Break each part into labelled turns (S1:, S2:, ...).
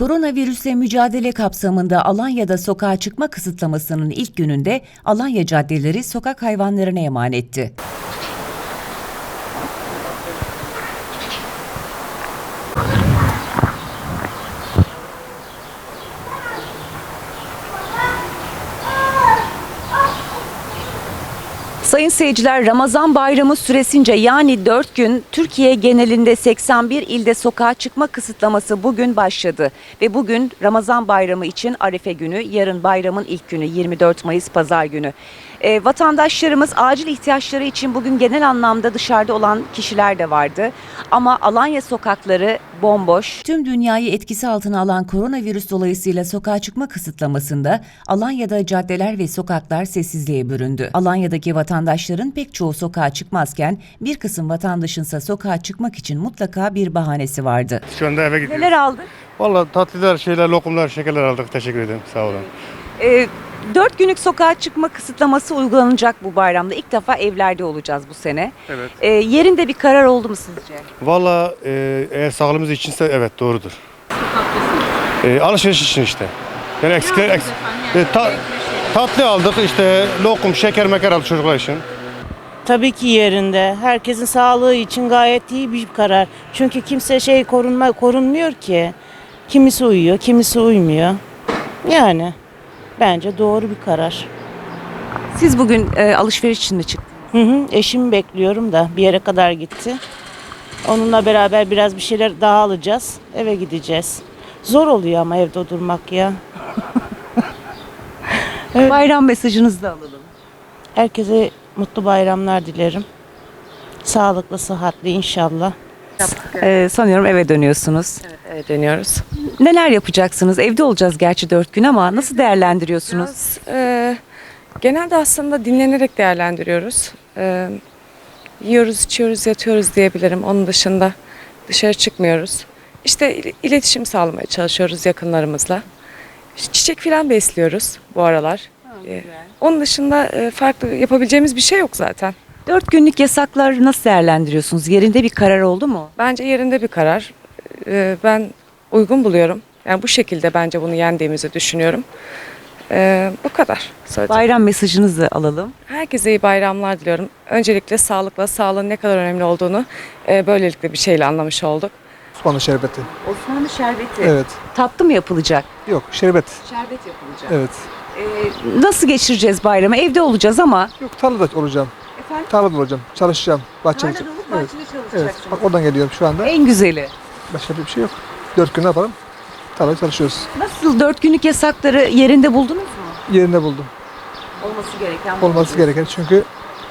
S1: Koronavirüsle mücadele kapsamında Alanya'da sokağa çıkma kısıtlamasının ilk gününde Alanya caddeleri sokak hayvanlarına emanetti. Sayın seyirciler, Ramazan bayramı süresince yani 4 gün Türkiye genelinde 81 ilde sokağa çıkma kısıtlaması bugün başladı. Ve bugün Ramazan bayramı için Arefe günü, yarın bayramın ilk günü 24 Mayıs Pazar günü. Vatandaşlarımız acil ihtiyaçları için bugün genel anlamda dışarıda olan kişiler de vardı. Ama Alanya sokakları bomboş. Tüm dünyayı etkisi altına alan koronavirüs dolayısıyla sokağa çıkma kısıtlamasında Alanya'da caddeler ve sokaklar sessizliğe büründü. Alanya'daki vatandaşların pek çoğu sokağa çıkmazken bir kısım vatandaşınsa sokağa çıkmak için mutlaka bir bahanesi vardı.
S2: Şu anda eve gidiyoruz.
S1: Neler aldık?
S2: Vallahi tatlılar, şeyler, lokumlar, şekerler aldık. Teşekkür ederim. Sağ olun.
S1: 4 günlük sokağa çıkma kısıtlaması uygulanacak bu bayramda. İlk defa evlerde olacağız bu sene.
S2: Evet.
S1: Yerinde bir karar oldu mu sizce?
S2: Vallahi eğer sağlığımız içinse evet doğrudur. Alışveriş için işte. Yani eksikler tatlı aldık işte lokum, şeker, meker aldık çocuklar için.
S3: Tabii ki yerinde. Herkesin sağlığı için gayet iyi bir karar. Çünkü kimse korunmuyor ki. Kimisi uyuyor, kimisi uymuyor. Yani bence doğru bir karar.
S1: Siz bugün alışveriş için mi çıktınız?
S3: Eşimi bekliyorum da bir yere kadar gitti. Onunla beraber biraz bir şeyler daha alacağız. Eve gideceğiz. Zor oluyor ama evde durmak ya. Evet.
S1: Bayram mesajınızı da alalım.
S3: Herkese mutlu bayramlar dilerim. Sağlıklı, sıhhatli inşallah.
S1: Sanıyorum eve dönüyorsunuz.
S4: Evet, dönüyoruz.
S1: Neler yapacaksınız? Evde olacağız gerçi 4 gün ama nasıl değerlendiriyorsunuz?
S4: Genelde aslında dinlenerek değerlendiriyoruz. Yiyoruz, içiyoruz, yatıyoruz diyebilirim. Onun dışında dışarı çıkmıyoruz. İşte iletişim sağlamaya çalışıyoruz yakınlarımızla. Çiçek falan besliyoruz bu aralar. Onun dışında farklı yapabileceğimiz bir şey yok zaten.
S1: 4 günlük yasakları nasıl değerlendiriyorsunuz? Yerinde bir karar oldu mu?
S4: Bence yerinde bir karar. Ben uygun buluyorum. Yani bu şekilde bence bunu yendiğimizi düşünüyorum. Bu kadar.
S1: Bayram mesajınızı alalım.
S4: Herkese iyi bayramlar diliyorum. Öncelikle sağlıkla, sağlığın ne kadar önemli olduğunu böylelikle bir şeyle anlamış olduk.
S5: Osmanlı şerbeti.
S1: Osmanlı şerbeti.
S5: Evet.
S1: Tatlı mı yapılacak?
S5: Yok, şerbet.
S1: Şerbet yapılacak.
S5: Evet.
S1: Nasıl geçireceğiz bayramı? Evde olacağız ama.
S5: Yok, tarlada olacağım.
S1: Efendim?
S5: Tarlada olacağım. Çalışacağım. Bahçede.
S1: Tarlada olup
S5: Evet.
S1: bahçede
S5: Evet.
S1: çalışacaksınız.
S5: Bak oradan geliyorum şu anda.
S1: En güzeli.
S5: Başka bir şey yok. 4 gün ne yapalım? Tarlada çalışıyoruz.
S1: Nasıl 4 günlük yasakları yerinde buldunuz mu?
S5: Yerinde buldum.
S1: Olması gereken.
S5: Olması gereken çünkü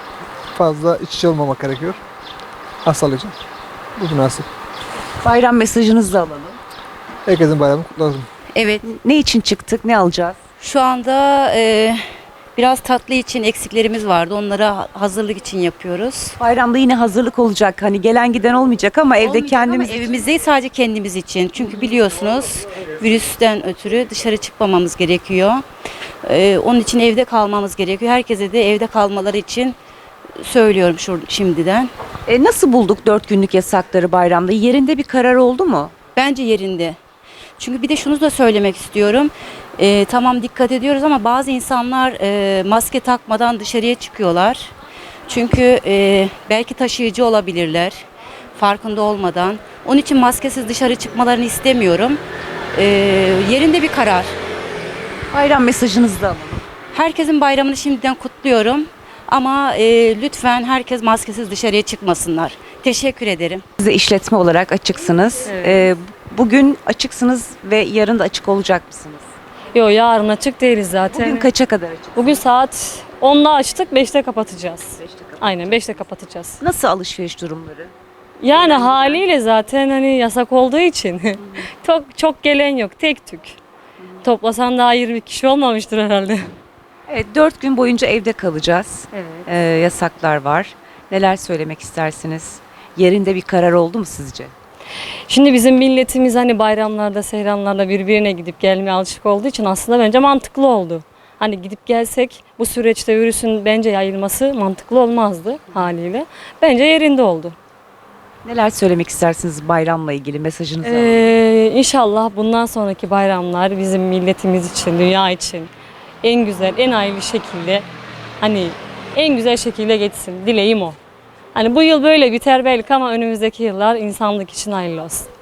S5: fazla iç içe olmamak gerekiyor. Hastalık için. Bu münasip.
S1: Bayram mesajınızı da alalım.
S5: Herkesin bayramını kutlu olsun.
S6: Evet,
S1: Ne için çıktık? Ne alacağız?
S6: şu anda biraz tatlı için eksiklerimiz vardı. Onlara hazırlık için yapıyoruz.
S1: Bayramda yine hazırlık olacak. Hani gelen giden olmayacak ama evde
S6: Olmayacak
S1: kendimiz
S6: ama evimizde sadece kendimiz için. Çünkü biliyorsunuz virüsten ötürü dışarı çıkmamamız gerekiyor. Onun için evde kalmamız gerekiyor. Herkese de evde kalmaları için söylüyorum şimdiden.
S1: Nasıl bulduk 4 günlük yasakları bayramda? Yerinde bir karar oldu mu?
S6: Bence yerinde. Çünkü bir de şunu da söylemek istiyorum. Tamam dikkat ediyoruz ama bazı insanlar maske takmadan dışarıya çıkıyorlar. Çünkü belki taşıyıcı olabilirler farkında olmadan. Onun için maskesiz dışarı çıkmalarını istemiyorum. Yerinde bir karar.
S1: Bayram mesajınızı da alalım.
S6: Herkesin bayramını şimdiden kutluyorum. Ama lütfen herkes maskesiz dışarıya çıkmasınlar. Teşekkür ederim.
S1: Siz de işletme olarak açıksınız. Bugün açıksınız ve yarın da açık olacak mısınız?
S7: Yok, yarın açık değiliz zaten.
S1: Bugün kaça kadar açık?
S7: Bugün saat 10'da açtık, 5'te kapatacağız. Aynen 5'te kapatacağız.
S1: Nasıl alışveriş durumları?
S7: Yani haliyle zaten hani yasak olduğu için çok gelen yok, tek tük. Toplasan daha 20 kişi olmamıştır herhalde.
S1: Evet, 4 gün boyunca evde kalacağız. Yasaklar var. Neler söylemek istersiniz? Yerinde bir karar oldu mu sizce?
S7: Şimdi bizim milletimiz hani bayramlarda, seyranlarda birbirine gidip gelmeye alışık olduğu için aslında bence mantıklı oldu. Hani gidip gelsek bu süreçte virüsün bence yayılması mantıklı olmazdı haliyle. Bence yerinde oldu.
S1: Neler söylemek istersiniz bayramla ilgili mesajınızı alalım.
S7: İnşallah bundan sonraki bayramlar bizim milletimiz için, dünya için en güzel, en hayırlı şekilde, hani en güzel şekilde geçsin. Dileğim o. Hani bu yıl böyle biter belki ama önümüzdeki yıllar insanlık için hayırlı olsun.